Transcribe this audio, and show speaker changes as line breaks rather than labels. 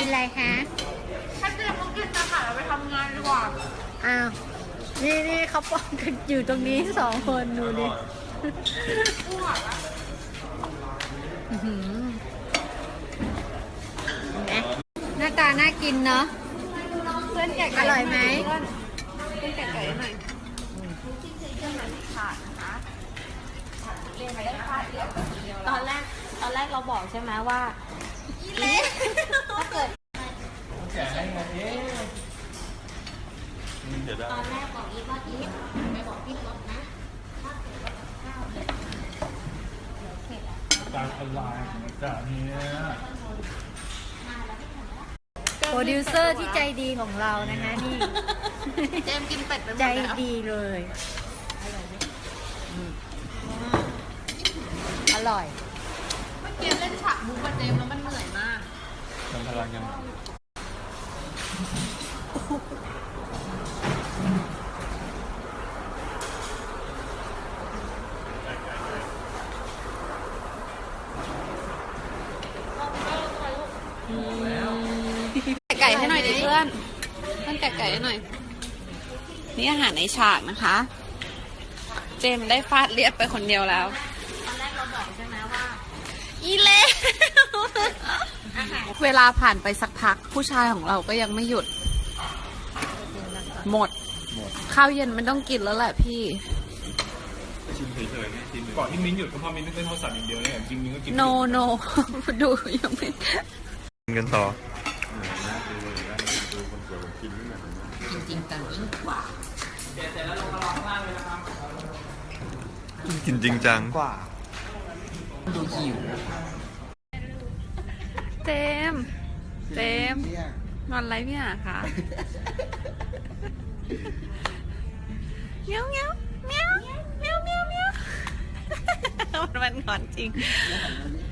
อะไรคะ
ถ้าเจมต้องกินนะคะเราไปทำงานดีกว่า
อ้าวนี่เขาป้องกันอยู่ตรงนี้2 คนดูดิอื้อหือเห็นไหมหน้าตาน่ากินเนาะ
เพื่อนแกะ
อร่อยไหม
เพื่อนแกะไก่หน่อยเรื่องนั้นขาดนะคะเรียนไปได้ฟาดเดียว
ตอนแรกเราบอกใช่ไหมว่าถ้าเกิด
แกะให้ไงเดี๋ยวได้
ตอนแรกบอกอีฟว่าอีฟไปบอกพี่รถนะถ้าเกิดว่าข้าวเนี่ยเผ็ดอ่ะ
การออนไลน์จากนี้
โปรดิวเซอร์ที่ใจดีของเรานะคะนี่
เจมกินเป็ดไปหมด
ใจ
แล้ว
ดีเลยอร่อย
เมื่อกี้เล่นฉากมุกกับเจมแล้วมันเหนื่อยมาก
ทำพลังยัง
แกะไก่ให้หน่อยดิเพื่อนแกะไก่ให้หน่อย นี่อาหารในฉากนะคะ เจมได้ฟาดเรียบไปคนเดียวแล้ว
ตอนแรกเราบอกใช่ไหมว่า
อีเล่เวลาผ่านไปสักพักผู้ชายของเราก็ยังไม่หยุด หมด ข้าวเย็นมันต้องกินแล้วแหละพี่
ชิมเฉยๆนะชิมก่อนที่มิ้นหยุดก็เพราะมิ้นนึกเป็นโทรศัพท์อย่างเดียวเนี่ยจริงมิ้นก็กิน
no no ดูยังไม่
กินกันต่อ
จริงจังยิ่งกว่า
กินจริงจัง
กว่า
ดูหิว
เจมงอนไรพี่หาคะเมียวเมียวเมียวเมียวเมียวเมียวมันงอนจริง